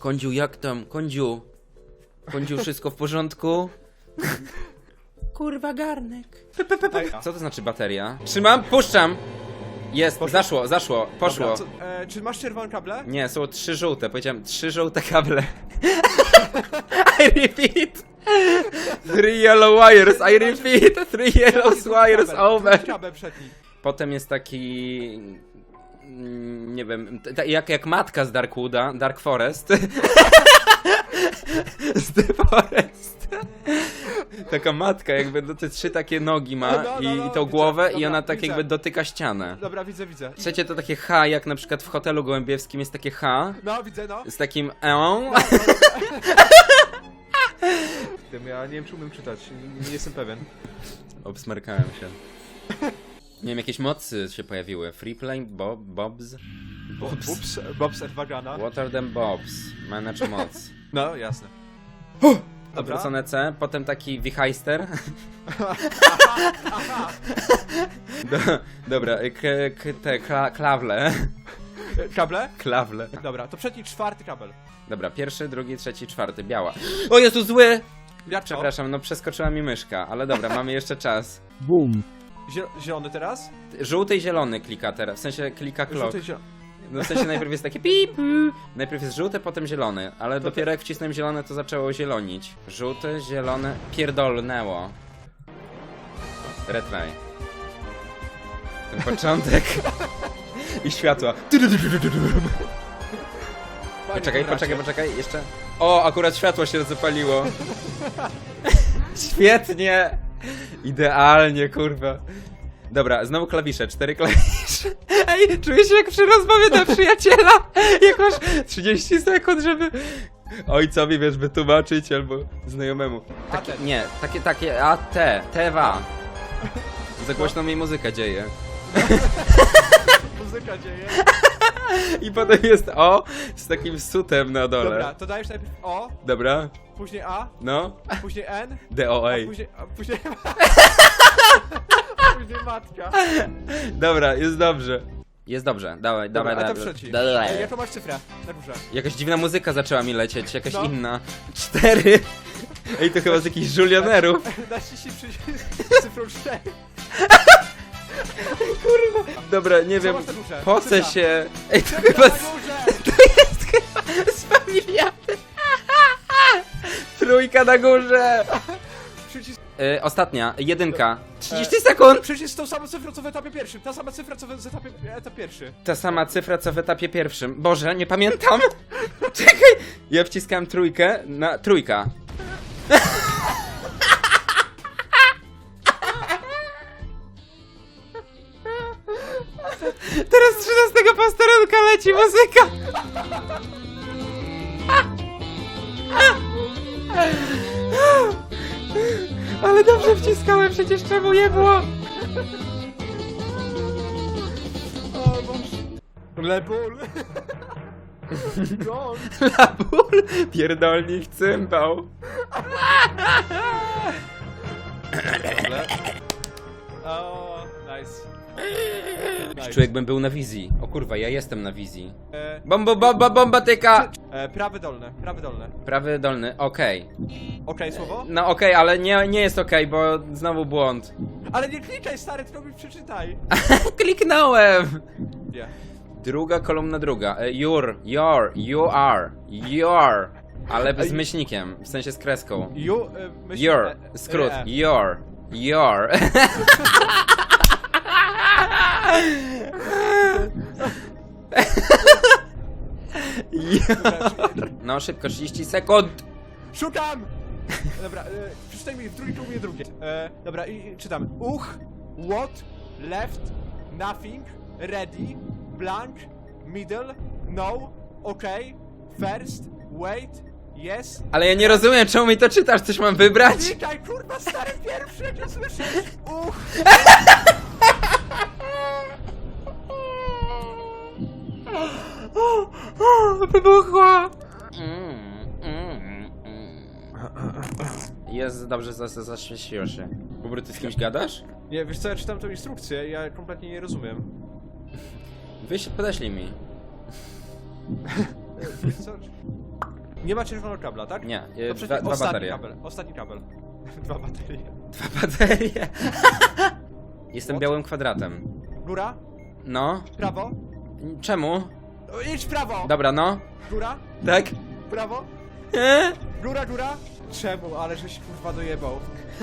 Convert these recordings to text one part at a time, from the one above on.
Kądziu, jak tam? Kądziu, wszystko w porządku? Kurwa, garnek. Co to znaczy bateria? Trzymam, puszczam. Jest, zaszło, poszło. Dobra, czy masz czerwone kable? Nie, są 3 żółte, powiedziałem 3 żółte kable. I repeat. 3 yellow wires, I repeat. 3 yellow wires over. Kabel przedni. Potem jest taki... nie wiem, jak matka z Darkwooda, Dark Forest. Z The Forest. Taka matka jakby, te 3 takie nogi ma i tą głowę widzę, i ona dobra, tak widzę. jakby dotyka ścianę. Dobra, widzę. Trzecie to takie H, jak na przykład w hotelu gołębiewskim jest takie H. No, widzę, no. Z takim Tym ja nie wiem, czy umiem czytać, nie jestem pewien. Obsmarkałem się. Nie wiem, jakieś mocy się pojawiły. Freeplane, Bobs? Bobs Vagana. Water them Bobs. Manage moc. No, jasne. Odwrócone C, potem taki wichajster. Dobra, klawle. Kable? Klawle. Dobra, to przedni 4 kabel. Dobra, 1, 2, 3, 4, biała. O Jezu, zły! Jak to? Przepraszam, no przeskoczyła mi myszka, ale dobra, mamy jeszcze czas. Boom. Zielony teraz? Żółty i zielony klika teraz, w sensie klika clock. Żółty i zielony. No w sensie najpierw jest takie pip, najpierw jest żółty, potem zielony, ale dopiero jak wcisnąłem zielone, to zaczęło zielonić. Żółty, zielony, pierdolnęło. Retry. Ten początek. I światła. Poczekaj, jeszcze. O, akurat światło się zapaliło. Świetnie. Idealnie, kurwa. Dobra, znowu klawisze, 4 klawisze. Ej, czuję się jak przy rozmowie do przyjaciela. Jak masz 30 sekund, żeby ojcowi, wiesz, wytłumaczyć albo znajomemu. Tewa. Za głośno mi muzyka dzieje. Muzyka dzieje. I potem jest O z takim sutem na dole. Dobra, to dajesz najpierw O, Dobra, później A, no. później N, DOA. później później matka. Dobra, jest dobrze. Jest dobrze, dawaj. A to trzeci. Jaką masz cyfrę na górze? Jakaś dziwna muzyka zaczęła mi lecieć, jakaś inna. 4. Ej, to chyba z jakichś żulionerów. Naciśnij przycisk cyfrą 4. Dobra, nie Co wiem, masz na górze? pocę Cyfra. się. Ej, to Cyfra chyba na górze! jest chyba z familiady. 3 na górze. Przycisk... Ostatnia, 1. 30 sekund. Przycisk z tą samą cyfrą co w etapie pierwszym. Ta sama cyfra co w etapie pierwszy. Ta sama cyfra co w etapie pierwszym. Boże, nie pamiętam. Czekaj. Ja wciskałem 3 na 3. Teraz 13 posterunka leci muzyka. Ale dobrze wciskałem, przecież czemu nie było? O Boże. Lebul. Gol. Labul, pierdolnik cymbał. O, nice. Czuję, jakbym był na wizji. O kurwa, ja jestem na wizji. E, Bombatyka! prawy dolny, prawy dolny. Prawy dolny, okej. Okej, słowo? No okej, ale nie jest okej, bo znowu błąd. Ale nie klikaj stary, tylko mi przeczytaj. Kliknąłem! Nie. Druga kolumna druga. You are. Ale z myślnikiem, w sensie z kreską. Your, skrót. Your. No szybko, 30 sekund. Szukam! Dobra, przeczytaj mi w drugiej kolumnie drugie. Dobra, i czytam. What, left, nothing, ready, blank, middle, no, okay, first, wait, yes. Ale ja nie rozumiem, czemu mi to czytasz, coś mam wybrać? Klikaj, kurwa, stary pierwszy, jak ja słyszę. Wybuchła! Jest dobrze, zaświeciło się. Bobry, ty z kimś gadasz? Nie, wiesz co, ja czytam tą instrukcję, ja kompletnie nie rozumiem. Podeślij mi. Wiesz co? Nie ma czerwonego kabla, tak? Nie, To przecież dwa ostatni baterie. kabel. Ostatni kabel. 2 baterie. 2 baterie. Jestem białym kwadratem. Góra, No. prawo. Czemu? O, idź w prawo. Dobra, no. Góra, Tak? prawo. Góra, góra. Czemu? Ale żeś kurwa dojebał.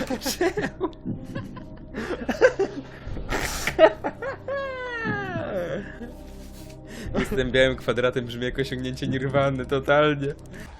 Jestem białym kwadratem, brzmi jak osiągnięcie nirwany, totalnie.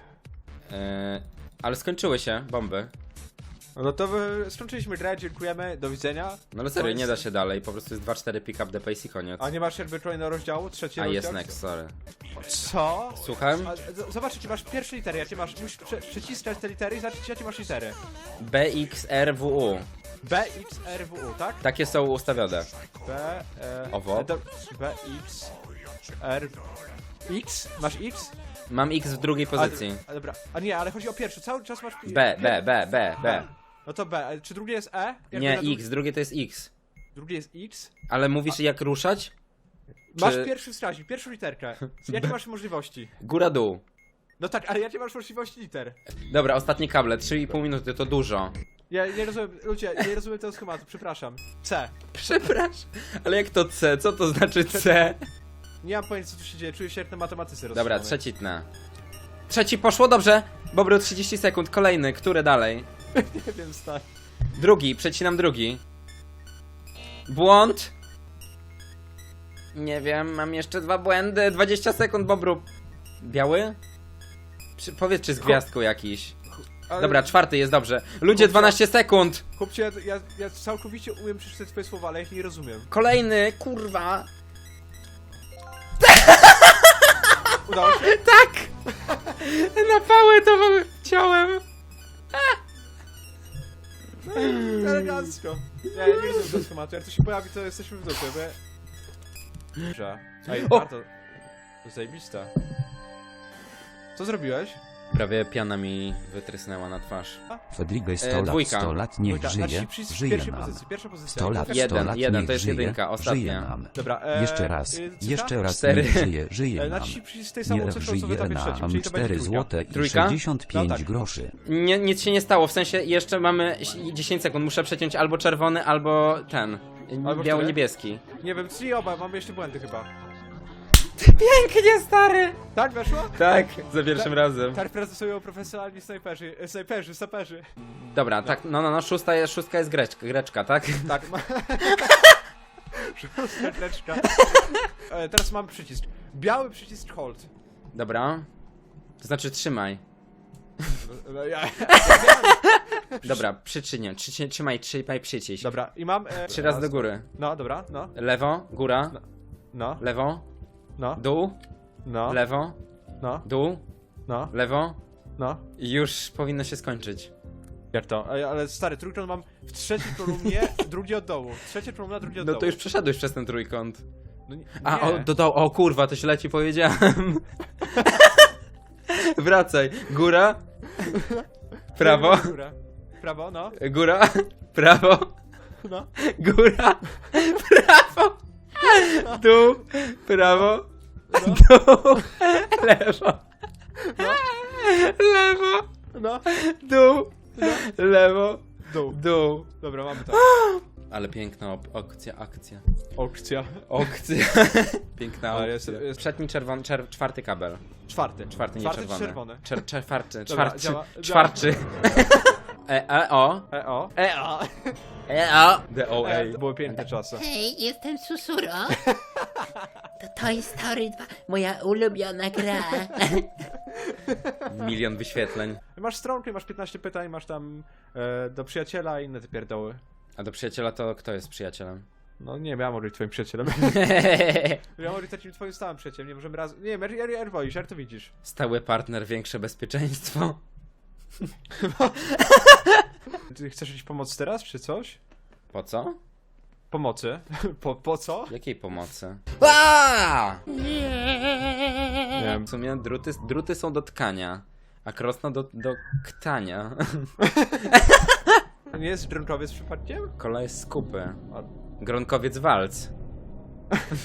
Ale skończyły się bomby. No to skończyliśmy grę, dziękujemy, do widzenia. No ale serio, nie da się dalej, po prostu jest 2-4 pick up the pace i koniec. A nie masz jakby kolejnego rozdziału? Trzeci A rozdział? jest next, sorry. Co? Słucham? Zobacz, jakie masz pierwsze litery, jakie masz, musisz przyciskać te litery i zobaczyć, jakie masz litery. BXRWU. B, X, R, W, U, tak? Takie są ustawione. B, Owo. B, X, R, X? Masz X? Mam X w drugiej pozycji. A dobra, a nie, ale chodzi o pierwszy, cały czas masz... B. No to B, czy drugie jest E? Jakby Nie, na X, drugie to jest X. Drugie jest X? Ale mówisz jak ruszać? Masz Czy- pierwszy wskaźnik, pierwszą literkę. Jakie masz możliwości? Góra, dół. No tak, ale jakie masz możliwości liter? Dobra, ostatnie kable, 3,5 minuty, to dużo. Ja nie rozumiem, ludzie, nie rozumiem tego schematu, przepraszam. C. Przepraszam, ale jak to C? Co to znaczy C? Nie mam pojęcia, co tu się dzieje, czuję się jak na matematyce Dobra, rozstrzygany. trzeci tnę. Trzeci poszło, dobrze. Bobru 30 sekund, kolejny, który dalej? Nie wiem, stary. Drugi, przecinam drugi. Błąd. Nie wiem, mam jeszcze 2 błędy. 20 sekund, Bobru. Biały? Powiedz, czy z gwiazdką jakiś. Ale, Dobra, czwarty jest dobrze. Ludzie, 12 sekund. Chłopcie, ja całkowicie umiem przeczytać twoje słowa, ale ja ich nie rozumiem. Kolejny, kurwa. Udało się? Tak! Na pałę to chciałem. Elegancko. Ja nie rozumiem tego schematu, jak to się pojawi, to jesteśmy w dupie, bo ja... Dobrze. Ej, O! bardzo... Zajebista. Co zrobiłeś? Prawie piana mi wytrysnęła na twarz. Fedrigę 100 lat, dwójka. 100 lat niech Dwójka, żyje, naciśnij przycisk w żyje pierwszej nam. pozycji, pierwsza pozycja. 100 lat, 100 Jeden, lat jeden, niech to jest żyje, jedynka, ostatnia. żyje nam. Dobra, Jeszcze raz, cyfra? jeszcze raz 4. niech żyje, żyje nam. Naciśnij przycisk z tej samą Niech cyfrą, co w żyje etapie trzecim, nam czyli to będzie 4 trójka. złote i Trójka? 65 No tak. groszy. Nic się nie stało, w sensie jeszcze mamy 10 sekund. Muszę przeciąć albo czerwony, albo ten. Albo Biało-niebieski. Nie wiem, czyli oba, mamy jeszcze błędy chyba. Pięknie, stary! Tak, weszło? Tak, za pierwszym razem. Tak prezentują profesjonalni snajperzy, saperzy. Dobra, tak, no, szóstka jest greczka, tak? Tak, ma... Serteczka. Teraz mamy przycisk. Biały przycisk hold. Dobra. To znaczy trzymaj. No, ja... Dobra, przyczynię. Trzymaj przycisk. Dobra, i mam... 3 razy do góry. No, dobra, no, Lewo, góra, no, lewo, no, dół, no, lewo, no, dół, no, lewo no. i już powinno się skończyć. Jak to? Ale stary, trójkąt mam w trzeciej kolumnie, drugi od dołu. Trzecia kolumna, drugi od No dołu. to już przeszedłeś przez ten trójkąt. No, nie. A, o kurwa, to źle ci powiedziałem. Wracaj. Góra, prawo, Góra. Prawo, no, góra, prawo, no. góra, prawo, dół, prawo, No. dół, lewo, lewo, No, dół, lewo, dół. dół. Dobra, mamy to. Ale piękna akcja. Aukcja. Akcja. Piękna Ale akcja. jest- Przedni czerwony, czwarty kabel. Czwarty. Czwarty, nie Czwarty czerwony. czy czerwony? Czwarty, Dobra, czwarty, działa. czwarty. O. E-o. D-O-A. To były piękne czasy. Hej, jestem Susuro. To Toy Story 2, moja ulubiona gra. 1 milion wyświetleń. Masz stronkę, masz 15 pytań, masz tam do przyjaciela i inne te pierdoły. A do przyjaciela to kto jest przyjacielem? No nie wiem, ja mogę być twoim przyjacielem. Ja mogę być takim twoim stałym przyjacielem, nie możemy raz... Nie wiem, Erwoisz, to widzisz. Stały partner, większe bezpieczeństwo. Ty chcesz mieć pomoc teraz, czy coś? Po co? Pomocy. Po co? Jakiej pomocy? Nie wiem. W sumie druty są do tkania, a krosno do ktania. To nie jest drączowiec przypadkiem? Kola jest z kupy. A- Gronkowiec walc.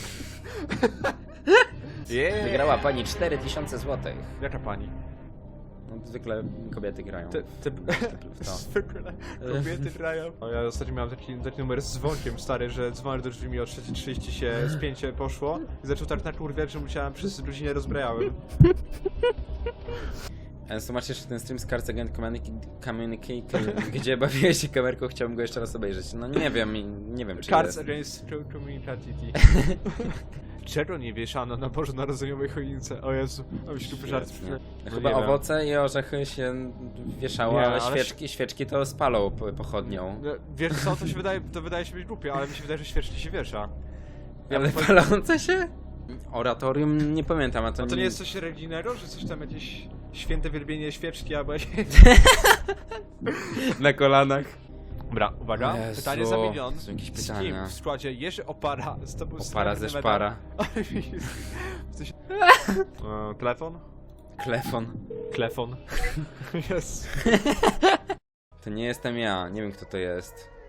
Yeah. Wygrała pani 4000 zł. Jaka pani? No, zwykle kobiety grają. w to. Zwykle kobiety grają. O, ja ostatnio miałem taki numer z dzwonkiem, stary, że dzwonek do drzwi mi o 3:30 się spięcie poszło i zaczął tak nakurwiać, że musiałem przez godzinę rozbrajałem. Masz jeszcze ten stream z Cards Against Communicator, gdzie bawiłeś się kamerką, chciałbym go jeszcze raz obejrzeć. No nie wiem czy Cards jest. Against Community. Czego nie wieszano na bożonarodzeniowej choince? O Jezu, o ślupy żart. Świetnie. No Chyba nie wiem. owoce i orzechy się wieszało, Nie, ale ale- świeczki to spalą pochodnią. No, wiesz co, to wydaje się być głupie, ale mi się wydaje, że świeczki się wiesza. Ale palące się? Oratorium nie pamiętam, a to, A to nie jest coś religijnego, że coś tam jakieś święte wielbienie świeczki albo jakieś... na kolanach. Dobra, uwaga, Jezu, pytanie za milion. są jakieś Z kim pytania. w składzie Jerzy Opara zdobył Opara ze szpara. Telefon? Klefon. Klefon. Jest. To nie jestem ja, nie wiem kto to jest.